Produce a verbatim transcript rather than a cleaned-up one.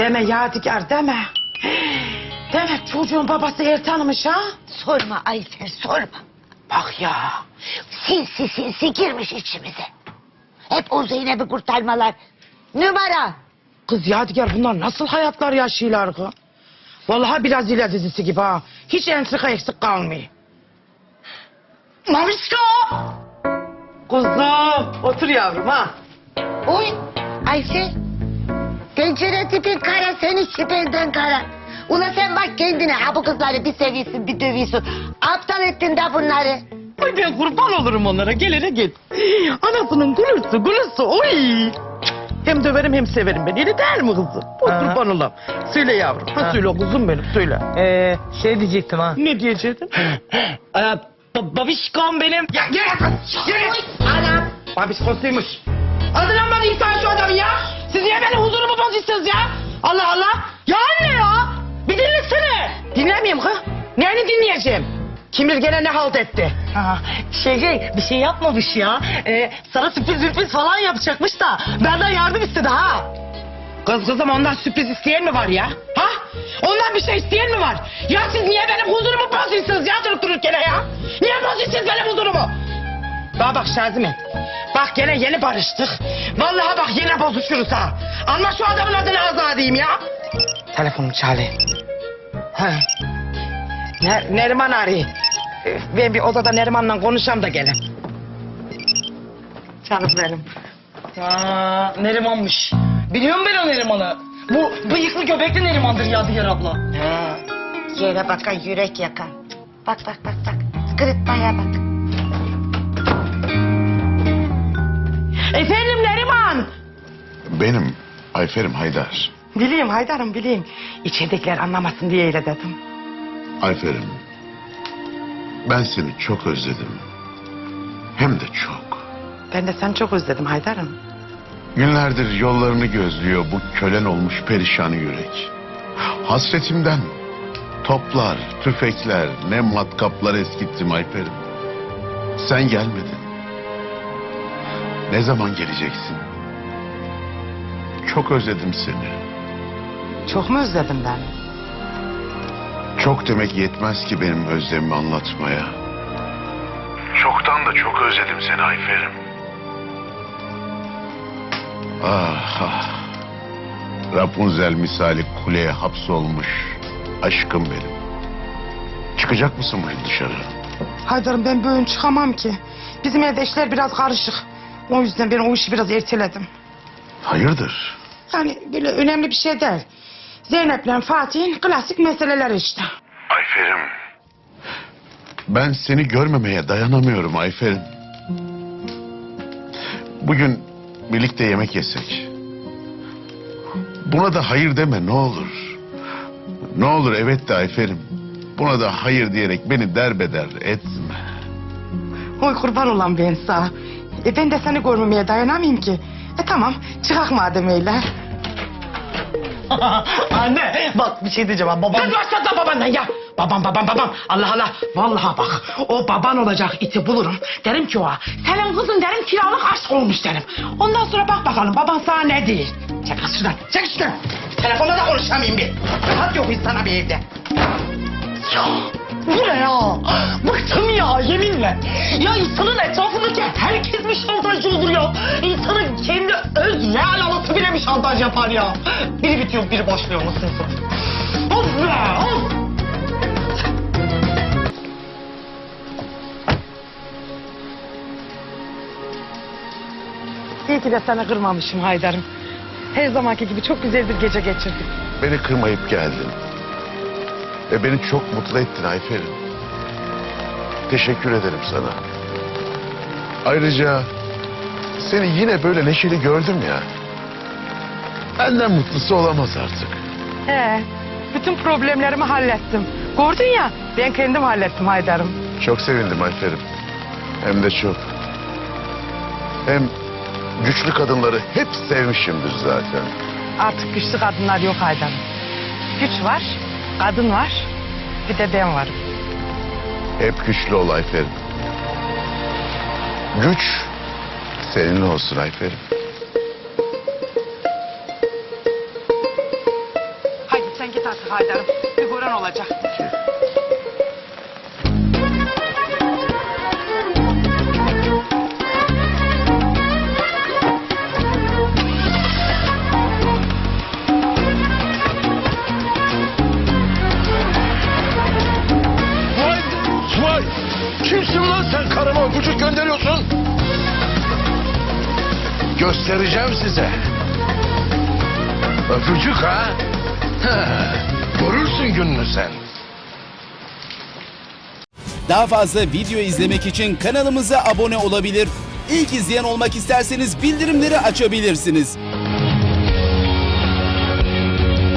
Deme Yadigar deme. Demek çocuğun babası Ertan'mış ha? Sorma Ayfer sorma. Bak ya. Sinsi sinsi girmiş içimize. Hep o Zeynep'i kurtarmalar. Numara. Kız Yadigar bunlar nasıl hayatlar yaşıyorlar ki? Vallahi biraz Zile dizisi gibi ha. Hiç entrika eksik kalmıyor. Mamişko! Kuzum otur yavrum ha. Oy Ayfer. Tencere tipin kara senin şüphenden kara. Ula sen bak kendine ha bu kızları bir seviyorsun bir dövüyorsun. Aptal ettin de bunları. Ay ben kurban olurum onlara gelene git. Anasının gülürsü gülürsü oy. Hem döverim hem severim ben. Öyle değil mi kızım? O kurban olam. Söyle yavrum. Ha, Ha. söyle kuzum benim söyle. Ee, şey diyecektim ha. Ne diyecektin? Ee, ba- babişkom benim. Ya gel kız. Yürü. Anam. Babiskosuymuş. Adın lan bana insan şu adamı ya. Siz niye benim huzurumu bozuyorsunuz ya? Allah Allah. Ya anne ya. Bir dinlesene. Dinlemeyeyim ha. Neyini dinleyeceğim? Kim bilir gene ne halt etti? Ha, şey şey bir şey yapmamış ya. Ee, sana sürpriz sürpriz falan yapacakmış da benden yardım istedi ha. Kız kızım ondan sürpriz isteyen mi var ya? Ha? Ondan bir şey isteyen mi var? Ya siz niye benim huzurumu bozuyorsunuz ya durup dururken ya? Niye bozuyorsunuz benim huzurumu? Bana bak Şazime. Bak gene yeni barıştık. Vallahi bak yine bozuşuruz ha. Anla şu adamın adını ağzına diyeyim ya. Telefonum çalıyor. Ha. Ne, Neriman arıyor. Ee, Ben bir odada Neriman'la konuşacağım da gene. Canım benim. Aa, Neriman'mış. Biliyorum ben o Neriman'ı. Bu bıyıklı göbekli Neriman'dır Yadigar abla. Ha, yere bakan yürek yakan. Bak bak bak bak. Kırıtmaya bak. Efendim Neriman. Benim Ayfer'im Haydar. Bileyim Haydar'ım bileyim. İçeridekiler anlamasın diye öyle dedim. Ayfer'im, ben seni çok özledim. Hem de çok. Ben de seni çok özledim Haydar'ım. Günlerdir yollarını gözlüyor bu kölen olmuş perişan yürek. Hasretimden toplar, tüfekler, ne matkaplar eskittim Ayfer'im. Sen gelmedin. Ne zaman geleceksin? Çok özledim seni. Çok mu özledim ben? Çok demek yetmez ki benim özlemimi anlatmaya. Çoktan da çok özledim seni Ayfer'im. Ah ah. Rapunzel misali kuleye hapsolmuş aşkım benim. Çıkacak mısın bugün dışarı? Haydar'ım ben böyle çıkamam ki. Bizim evde işler biraz karışık. O yüzden ben o işi biraz erteledim. Hayırdır? Yani böyle önemli bir şey değil. Zeynep'le Fatih'in klasik meseleleri işte. Ayfer'im. Ben seni görmemeye dayanamıyorum Ayfer'im. Bugün birlikte yemek yesek. Buna da hayır deme ne olur. Ne olur evet de Ayfer'im. Buna da hayır diyerek beni derbeder etme. Oy kurban olan ben sana. E ben de seni görmemeye dayanamayayım ki. E tamam çıkak madem öyle. Anne bak bir şey diyeceğim ha babam. Kız başlatma babandan ya. Babam babam babam. Allah Allah. Vallahi bak o baban olacak iti bulurum. Derim ki o senin kızın derim kiralık aşk olmuş derim. Ondan sonra bak bakalım baban sana ne diyor. Çek şuradan çek şuradan. Telefonda da konuşamayayım bir. Rahat yok insana bir evde. Ya bu ne ya? Bıktım ya yeminle. Ya insanın etrafındaki herkes mi şantajcı olur ya? İnsanın kendi öz real anası bile mi şantaj yapar ya? Biri bitiyor biri başlıyor nasıl insan? Of be of! İyi ki de seni kırmamışım Haydar'ım. Her zamanki gibi çok güzel bir gece geçirdik. Beni kırmayıp geldin. Ve beni çok mutlu ettin Ayfer'im. Teşekkür ederim sana. Ayrıca seni yine böyle neşeli gördüm ya. Benden mutlusu olamaz artık. He, bütün problemlerimi hallettim. Gördün ya, ben kendim hallettim Haydar'ım. Çok sevindim Ayfer'im. Hem de çok. Hem güçlü kadınları hep sevmişimdir zaten. Artık güçlü kadınlar yok Haydar'ım. Güç var, kadın var, bir de ben varım. Hep güçlü ol Ayfer'im. Güç seninle olsun Ayfer'im. sen git artık Haydar'ım. Bir gören olacak. Vay! Vay! Kimsin lan sen, karıma öpücük gönderiyorsun? Göstereceğim size. Öpücük ha? Görürsün gününü sen. Daha fazla video izlemek için kanalımıza abone olabilir. İlk izleyen olmak isterseniz bildirimleri açabilirsiniz.